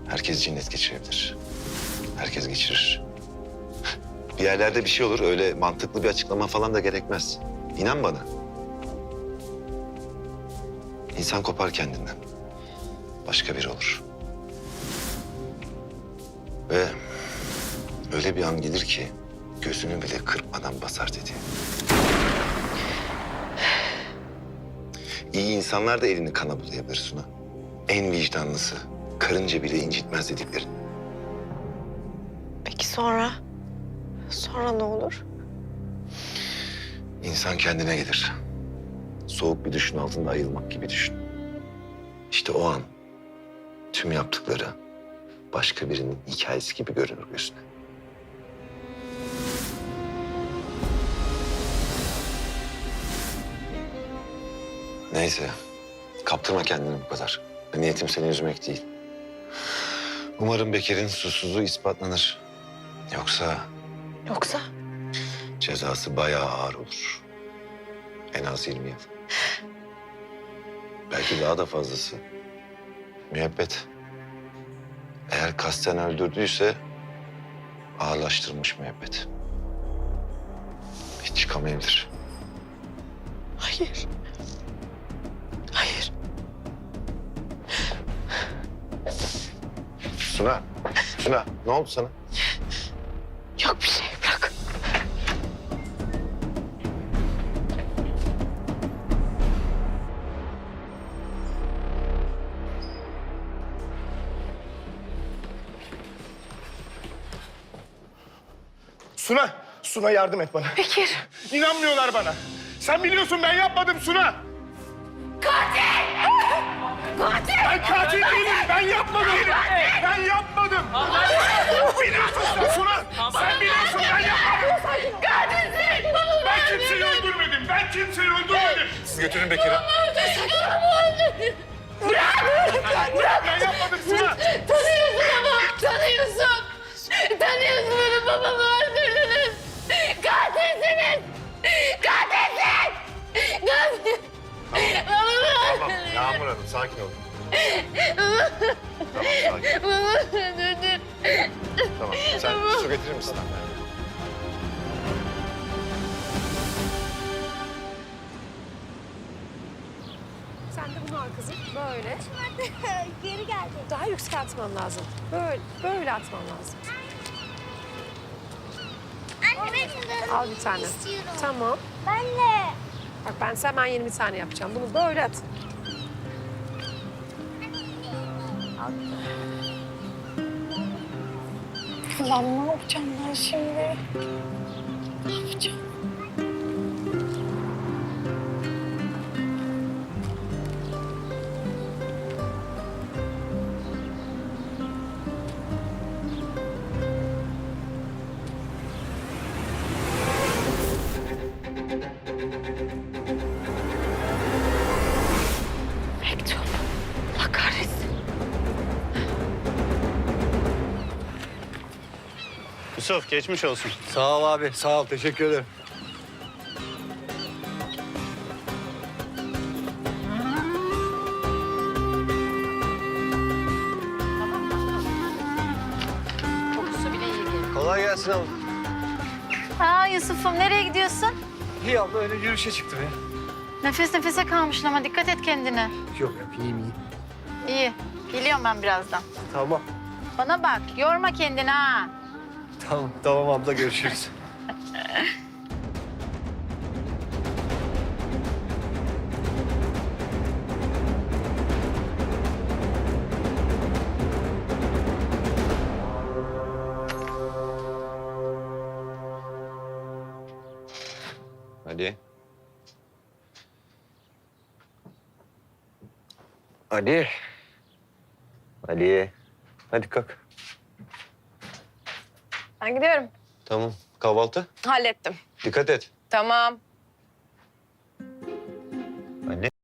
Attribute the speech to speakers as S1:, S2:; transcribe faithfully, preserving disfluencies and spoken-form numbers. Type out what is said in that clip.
S1: Herkes cinnet geçirebilir. Herkes geçirir. Bir yerlerde bir şey olur, öyle mantıklı bir açıklama falan da gerekmez. İnan bana. İnsan kopar kendinden. Başka biri olur. Ve öyle bir an gelir ki gözünü bile kırpmadan basar dedi. İyi insanlar da elini kana bulayabilir Suna. En vicdanlısı, karınca bile incitmez dediklerin.
S2: Peki sonra? Sonra ne olur?
S1: İnsan kendine gelir. Soğuk bir düşün altında ayılmak gibi düşün. İşte o an tüm yaptıkları başka birinin hikayesi gibi görünür gözüne. Neyse, kaptırma kendini bu kadar. Niyetim seni üzmek değil. Umarım Bekir'in susuzluğu ispatlanır. Yoksa
S2: Yoksa?
S1: cezası bayağı ağır olur. En az yirmi yıl. Belki daha da fazlası. Müebbet. Eğer kasten öldürdüyse ağırlaştırılmış müebbet. Hiç çıkamayabilir.
S2: Hayır. Hayır.
S1: Suna, Suna ne oldu sana?
S2: Yok bir şey, bırak.
S3: Suna, Suna yardım et bana.
S2: Bekir.
S3: İnanmıyorlar bana. Sen biliyorsun ben yapmadım Suna.
S2: Katil! Katil!
S3: Ben katil değilim, ben yapmadım. Ben yapmadım. Biliyorsun sen Suna. Sen biliyorsun ben yapmadım.
S2: Katilsin!
S3: Ben kimseyi öldürmedim, ben kimseyi öldürmedim. Siz götürün Bekir'i.
S2: Bırak! Bırak!
S3: Ben yapmadım Suna.
S2: Tanıyorsun ama! Tanıyorsun! Tanıyorsun benim babamı öldürdünüz! Katilsiniz! Katilsin! Katil! Babamı
S1: Tamam, Yağmur Hanım sakin olun. Tamam, sakin.
S2: Babamı öldürdün!
S1: Tamam, sen su getirir misin?
S4: Sen de bunu al kızım. Böyle.
S5: Geri geldi.
S4: Daha yüksek atman lazım. Böyle, böyle atman lazım.
S5: Anne ben de
S4: Al bir tane.
S5: istiyorum.
S4: Tamam.
S5: Ben de.
S4: Bak ben size hemen yeni bir tane yapacağım. Bunu böyle at.
S2: Ulan ne yapacağım ben şimdi? Ne yapacağım? Mektup. Allah kahretsin.
S6: Yusuf geçmiş olsun.
S7: Sağ ol abi, sağ ol. Teşekkür ederim.
S4: Kokusu bile iyi gelir.
S7: Kolay gelsin abla.
S8: Ha Yusuf'um nereye gidiyorsun?
S7: İyi abla, öyle yürüyüşe çıktım ya.
S8: Nefes nefese kalmışsın ama dikkat et kendine.
S7: Yok yok, iyiyim iyiyim.
S8: İyi. Geliyorum ben birazdan.
S7: Tamam.
S8: Bana bak yorma kendini ha.
S7: Tamam, tamam abla, görüşürüz.
S1: Hadi.
S7: Ali. Ali. Hadi kalk.
S2: Ben gidiyorum.
S7: Tamam. Kahvaltı.
S2: Hallettim.
S7: Dikkat et.
S2: Tamam.